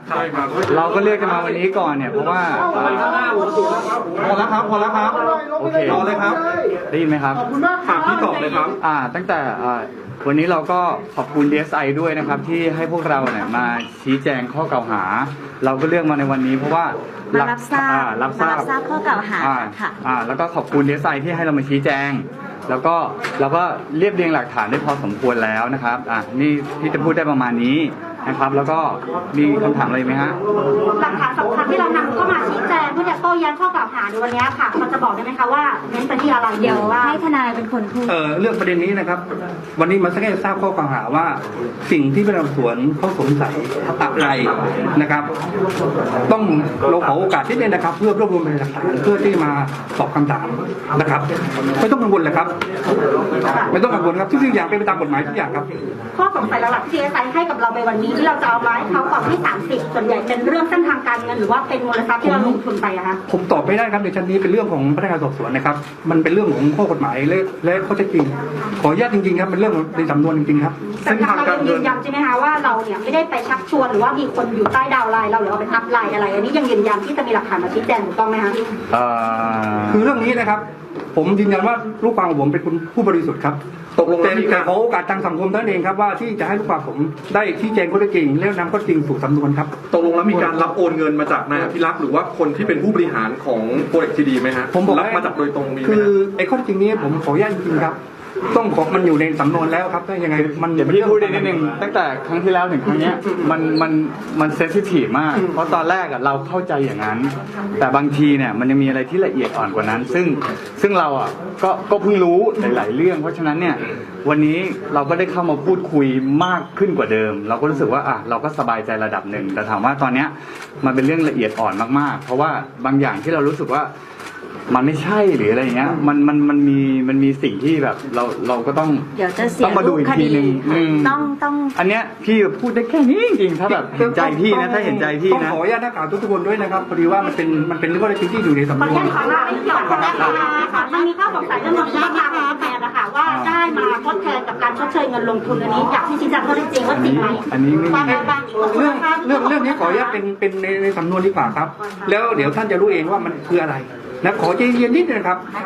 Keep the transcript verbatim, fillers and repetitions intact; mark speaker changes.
Speaker 1: เราก็เรียกกันมาวันนี้ก่อนเนี่ยเพราะว่าพอแล้วครับพอแล้วครับโอเครอเลยครับได้ยินไหมครับ
Speaker 2: ถามพี่ตอบเลยครับ
Speaker 1: อ่าตั้งแต่วันนี้เราก็ขอบคุณ ดี เอส ไอ ด้วยนะครับที่ให้พวกเราเนี่ยมาชี้แจงข้อกล่าวหาเราก็เลือกมาในวันนี้เพราะว่า
Speaker 3: มารับทราบ
Speaker 1: รับทราบ
Speaker 3: รับทราบข้อกล่าวหาค่ะ
Speaker 1: อ่าแล้วก็ขอบคุณ ดี เอส ไอ ที่ให้เรามาชี้แจงแล้วก็เราก็เรียบเรียงหลักฐานได้พอสมควรแล้วนะครับอ่ะนี่พี่จะพูดได้ประมาณนี้นะครับแล้วก็มีคำถามอะไรไหมฮะ
Speaker 4: หลักฐานสำคัญที่เรานำเข้ามาชี้แจงเพื่อจะโต้แย้งข้อกล่าวหาในวันนี้ค่ะมันจะบอกได้ไหมคะว่าเน้นไปที่อะไร
Speaker 3: เดี๋ยวให้ทนายเป็นคนพูด
Speaker 2: เออเรื่องประเด็นนี้นะครับวันนี้มันแค่ทราบข้อกล่าวหาว่าสิ่งที่พนักงานสวนเขาสงสัยอะไรนะครับต้องเราขอโอกาสที่นี่นะครับเพื่อรวบรวมพยานหลักฐานเพื่อที่มาตอบคำถามนะครับไม่ต้องกังวลเลยครับไม่ต้องกังวลครับทุกสิ่งอย่างเป็นไปตามกฎหมายทุกอย่างครับ
Speaker 4: ข้อสงสัยหลักๆที่ดีเอสไอให้กับเราในวันนี้ที่เราจะเอามาให้เขาก่อนที่สามสิบส่วนใหญ่เป็นเรื่องเส้นทางการเงินหรือว่าเป็นมูลทรัพย์ที่เราลงทุนไปอะคะ
Speaker 2: ผมตอบไม่ได้ครับในชั้นนี้เป็นเรื่องของพนักงานสอบสวนนะครับมันเป็นเรื่องของข้อกฎหมายและและข้อเท็จจริงขออนุญาตจริงๆครับเป็นเรื่องในสำนวนจริงๆครับ
Speaker 4: เส้นทางการเงินยืนยันใช่ไหมคะว่าเราเนี่ยไม่ได้ไปชักชวนหรือว่ามีคนอยู่ใต้ดาวไลน์เราหรือว่าเป็นอัพไลน์อะไรอันนี้ยังยืนยันที่จะมีหลักฐานมาชี้แจงถูกต้องไหมคะ
Speaker 2: คือเรื่องนี้นะครับผมยืนยันว่าลูกความของผมเป็นผู้บริสุทธิ์ครับตกลงแล้วแต่ขอโอกาสทางสังคมท่านเองครับว่าที่จะให้ลูกความผมได้ชี้แจงข้อเท็จจริงแล้วนำข้อเท็จจริงสู่สำนวนครับ
Speaker 5: ตกลงแล้วมีการรับโอนเงินมาจากนายอภิรักษ์หรือว่าคนที่เป็นผู้บริหารของโปรเจกต์ทีดีไหมฮะ
Speaker 2: ผมบอก
Speaker 5: รับมาจากโดยตรงมี
Speaker 2: คือไอ้ข้อเท็จจริงนี้ผมขออนุญาตจริงๆครับต้องขอมันอยู่ในสำนวนแล้วครับถ้ายังไง
Speaker 1: มันเดี๋ยวพี่พูดได้นิดนึงตั้งแต่ครั้งที่แล้วถึงครั้งนี้มันมันมันเซนซิทีฟมากเพราะตอนแรกอ่ะเราเข้าใจอย่างนั้นแต่บางทีเนี่ยมันยังมีอะไรที่ละเอียดอ่อนกว่านั้น ซึ่งซึ่งเราอ่ะก็ก็เพิ่งรู้หลายๆเรื่องเพราะฉะนั้นเนี่ยวันนี้เราก็ได้เข้ามาพูดคุยมากขึ้นกว่าเดิมเราก็รู้สึกว่าอ่ะเราก็สบายใจระดับหนึ่งแต่ถามว่าตอนเนี้ยมันเป็นเรื่องละเอียดอ่อนมากๆเพราะว่าบางอย่างที่เรารู้สึกว่ามันไม่ใช่หรืออะไรเงี้ยมันมันมันมีมันมีสิ่งที่แบบเราเราก็ต้อง
Speaker 3: เดี๋ยวจะเสีย
Speaker 1: ต้องมาดูอีกทีนึง
Speaker 3: ต้องต้อง
Speaker 1: อันเนี้ยพี่พูดได้แค่นี้จริงๆถ้าแบบเห็นใจพี่นะถ้าเห็นใจพี่นะ
Speaker 2: ต้องขออนุญาตนักข่าวทุกคนด้วยนะครับพอดีว่ามันเป็นมันเป็นเรื่องจริงที่อยู่ในสำนวน
Speaker 4: มันมีข้อสงสัยเรื่องเงินที่มาทดแทนนะคะว่าได้มาทดแทนกับการชดเชยเงินลงทุนอันนี้อยากที่ชี้แจงข้อเท็จจริงว่าจริงไหม
Speaker 1: อันนี้ไม่
Speaker 2: เรื่องเรื่องเรื่องนี้ขออนุญาตเป็นเป็นในในสำนวนดีกว่าครับแล้วเดี๋ยวท่านจะรู้เองว่ามันคืออะไรนะขอใจเย็นนิดนึงครับ